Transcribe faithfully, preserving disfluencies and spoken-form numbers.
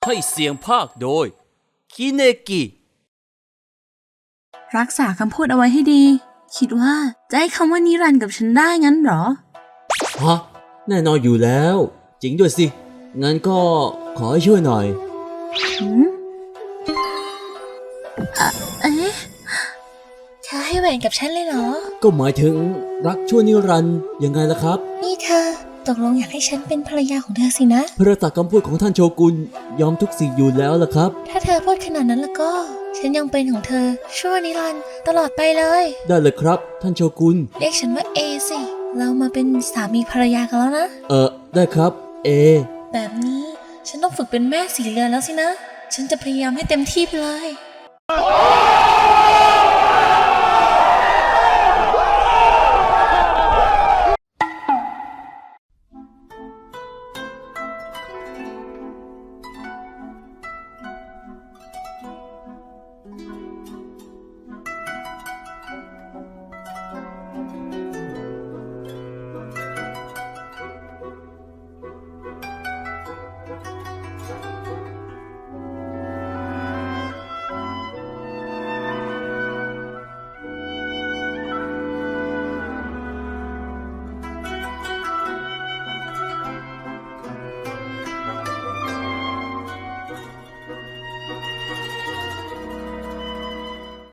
ให้เสียงภาคโดยคิเนกิรักษาคำพูดเอาไว้ให้ดีคิดว่าจะให้คำว่านิรันดร์กับฉันได้งั้นเหรอฮะแน่นอนอยู่แล้วจริงด้วยสิงั้นก็ขอให้ช่วยหน่อยหืมอะเอ๊ะเธอให้แหวนกับฉันเลยเหรอก็หมายถึงรักชั่วนิรันดร์ยังไงล่ะครับนี่เธอตกลงอยากให้ฉันเป็นภรรยาของเธอสินะพระตากคำพูดของท่านโชกุนยอมทุกสิ่งอยู่แล้วล่ะครับถ้าเธอพูดขนาดนั้นแล้วก็ฉันยังเป็นของเธอชั่วนิรันดร์ตลอดไปเลยได้เลยครับท่านโชกุนเรียกฉันว่าเอสิเรามาเป็นสามีภรรยากันแล้วนะเออได้ครับเอแบบนี้ฉันต้องฝึกเป็นแม่สีเรือนแล้วสินะฉันจะพยายามให้เต็มที่ไปเลย